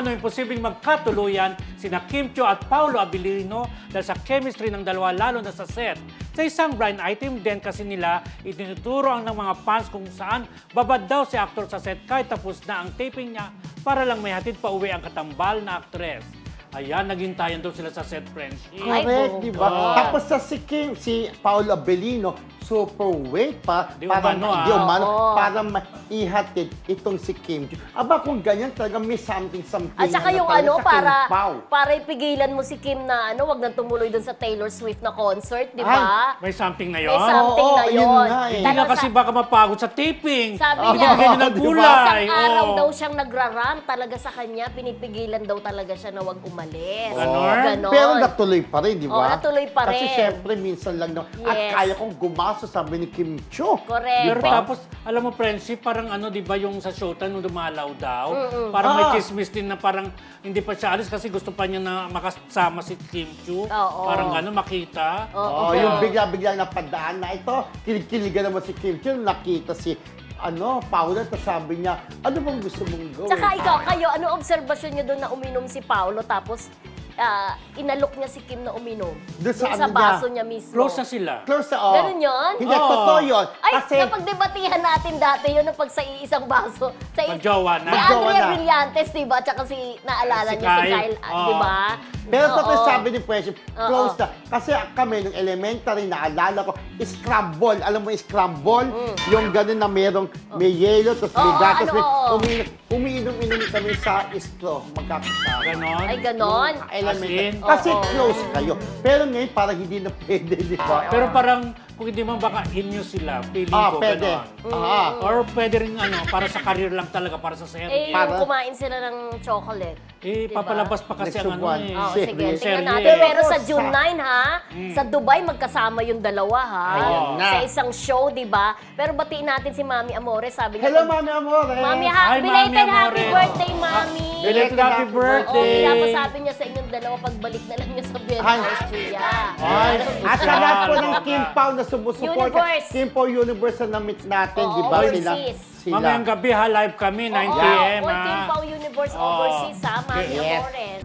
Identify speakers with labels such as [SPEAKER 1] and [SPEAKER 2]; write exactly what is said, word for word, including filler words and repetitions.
[SPEAKER 1] umano imposibleng magkatuluyan sina Kim Chiu at Paolo Abilino dahil sa chemistry ng dalawa lalo na sa set. Sa isang blind item din kasi nila, itinuturo ang ng mga fans kung saan babad daw si aktor sa set kahit tapos na ang taping niya para lang may hatid pa uwi ang katambal na aktres. Ayan, naghintayan daw sila sa set friendship.
[SPEAKER 2] Correct, di ba?
[SPEAKER 1] bongga.
[SPEAKER 2] Tapos sa si Kim, si Paolo Abelino, super weight pa.
[SPEAKER 1] Di
[SPEAKER 2] para,
[SPEAKER 1] umano, ah.
[SPEAKER 2] di umano,
[SPEAKER 3] Oo.
[SPEAKER 2] para maihatid itong si Kim. Aba, kung ganyan talaga may something-something.
[SPEAKER 3] At saka
[SPEAKER 2] na
[SPEAKER 3] yung
[SPEAKER 2] talaga
[SPEAKER 3] ano,
[SPEAKER 2] sa
[SPEAKER 3] para,
[SPEAKER 2] Kim Pao.
[SPEAKER 3] para ipigilan mo si Kim na ano, wag nang tumuloy dun sa Taylor Swift na concert, di ba?
[SPEAKER 1] May something na
[SPEAKER 3] May
[SPEAKER 1] yon.
[SPEAKER 3] something
[SPEAKER 2] Oo,
[SPEAKER 3] na
[SPEAKER 2] yun
[SPEAKER 3] yun.
[SPEAKER 2] nga eh.
[SPEAKER 1] Hindi na
[SPEAKER 3] Talaga
[SPEAKER 1] kasi
[SPEAKER 3] sa-
[SPEAKER 1] baka mapagod sa taping.
[SPEAKER 3] Sabi
[SPEAKER 2] Oo,
[SPEAKER 3] niya,
[SPEAKER 1] Bigyan ng
[SPEAKER 2] di ba?
[SPEAKER 1] gulay.
[SPEAKER 3] isang araw
[SPEAKER 1] oo.
[SPEAKER 3] daw siyang nagrarant talaga sa kanya, pinipigilan daw talaga siya na wag umalis.
[SPEAKER 1] Ganon?
[SPEAKER 3] Ganon.
[SPEAKER 2] Pero natuloy pa rin, di ba?
[SPEAKER 3] Oo, natuloy pa
[SPEAKER 2] Kasi
[SPEAKER 3] rin.
[SPEAKER 2] syempre, minsan lang naman. At
[SPEAKER 3] Yes.
[SPEAKER 2] kaya kong gumaso, sabi ni Kim Chiu.
[SPEAKER 3] Correct.
[SPEAKER 1] Pero
[SPEAKER 2] Di ba?
[SPEAKER 1] tapos, alam mo, friendship, parang ano, di ba yung sa Showtime nung dumalaw daw? Parang
[SPEAKER 2] Ah.
[SPEAKER 1] may chismis din na parang hindi pa siya alis kasi gusto pa niya na makasama si Kim Chiu.
[SPEAKER 3] Oo.
[SPEAKER 1] Parang ano, makita.
[SPEAKER 2] Oo, yung bigla-bigla na padaan na ito, kilig-kiligan naman si Kim Chiu, nakita si ano, Paula, tapos sabi niya, ano bang gusto mong gawin?
[SPEAKER 3] Tsaka ikaw, kayo, ano obserbasyon niyo doon na uminom si Paolo tapos ah, inalok niya si Kim na uminom?
[SPEAKER 2] Doon sa
[SPEAKER 3] Doon sa
[SPEAKER 2] ano
[SPEAKER 3] baso
[SPEAKER 2] niya?
[SPEAKER 3] niya mismo.
[SPEAKER 1] Close na sila.
[SPEAKER 2] Close na, oh.
[SPEAKER 3] Ganun yun?
[SPEAKER 2] Hindi,
[SPEAKER 1] Oo.
[SPEAKER 2] totoo yun.
[SPEAKER 3] Ay,
[SPEAKER 2] Kasi,
[SPEAKER 3] napagbebatihan natin dati yun na pag sa iisang baso. Sa i-
[SPEAKER 1] Magjowa na.
[SPEAKER 3] Si
[SPEAKER 2] Magjowa
[SPEAKER 3] Andrea
[SPEAKER 2] na.
[SPEAKER 3] Brillantes, di ba? Tsaka si, naalala
[SPEAKER 1] Si
[SPEAKER 3] niyo si
[SPEAKER 1] Kyle.
[SPEAKER 3] Kyle, ah,
[SPEAKER 1] Oo.
[SPEAKER 3] di ba?
[SPEAKER 2] pero totoo
[SPEAKER 3] Oo.
[SPEAKER 2] sabi ni Friendship, close
[SPEAKER 3] Oo.
[SPEAKER 2] na. Kasi kami, nung elementary, naalala ko, scramble. Alam mo, scramble? Yung gano'n na merong, may yelo, tapos may
[SPEAKER 3] Mm. Oo,
[SPEAKER 2] gatas,
[SPEAKER 3] ano,
[SPEAKER 2] may
[SPEAKER 3] oo.
[SPEAKER 2] umiinom, umiinom-inom kami sa straw, magkakasama.
[SPEAKER 1] Ganon.
[SPEAKER 3] Ay, ganon.
[SPEAKER 2] Elementary.
[SPEAKER 1] As in?
[SPEAKER 2] Kasi
[SPEAKER 3] Oo.
[SPEAKER 2] close kayo. Pero ngayon, parang hindi na pwede, di ba?
[SPEAKER 1] Pero parang, kung hindi man baka inyo sila, feeling
[SPEAKER 2] Ah,
[SPEAKER 1] ko,
[SPEAKER 2] pwede.
[SPEAKER 1] ganon.
[SPEAKER 2] Ah.
[SPEAKER 1] Or pwede rin ano, para sa career lang talaga, para sa
[SPEAKER 3] Eh,
[SPEAKER 1] serye.
[SPEAKER 3] yung
[SPEAKER 2] Para-
[SPEAKER 3] kumain sila ng chocolate.
[SPEAKER 1] Eh,
[SPEAKER 3] diba?
[SPEAKER 1] papalabas pa kasi ang
[SPEAKER 2] Next
[SPEAKER 1] ano
[SPEAKER 2] one.
[SPEAKER 1] eh.
[SPEAKER 3] Oo,
[SPEAKER 2] Serye.
[SPEAKER 3] sige. Tingnan
[SPEAKER 1] Serye.
[SPEAKER 3] natin. Pero sa
[SPEAKER 2] Sa-
[SPEAKER 3] June nine, ha? Sa Dubai, magkasama yung dalawa, ha?
[SPEAKER 2] Ayan na.
[SPEAKER 3] Sa isang show, di ba? Pero batiin natin si Mami Amore. Sabi niya,
[SPEAKER 2] Hello,
[SPEAKER 3] pag-
[SPEAKER 2] Mami Amore.
[SPEAKER 3] Mami, ha-
[SPEAKER 1] Hi, Mami
[SPEAKER 3] belated happy
[SPEAKER 1] Amore.
[SPEAKER 3] birthday, Mami!
[SPEAKER 1] Belated happy
[SPEAKER 3] Oo,
[SPEAKER 1] birthday!
[SPEAKER 3] pinapasabi niya sa inyong dalawa, pagbalik na lang niya sa Vienna,
[SPEAKER 2] Ay.
[SPEAKER 3] Austria.
[SPEAKER 1] Ay,
[SPEAKER 2] At sa lahat po ng Kim Pao na sumusuporta,
[SPEAKER 3] Universe.
[SPEAKER 2] Kim Pao Universe na na-meet natin,
[SPEAKER 3] Oo,
[SPEAKER 2] di ba? Sila,
[SPEAKER 3] overseas.
[SPEAKER 2] sila.
[SPEAKER 1] Mamayang gabi ha, live kami, nine p m
[SPEAKER 3] Oo,
[SPEAKER 1] ha.
[SPEAKER 3] Team Pao Universe
[SPEAKER 1] Oo.
[SPEAKER 3] Overseas, ha? Mami
[SPEAKER 2] Yes.
[SPEAKER 3] Amore.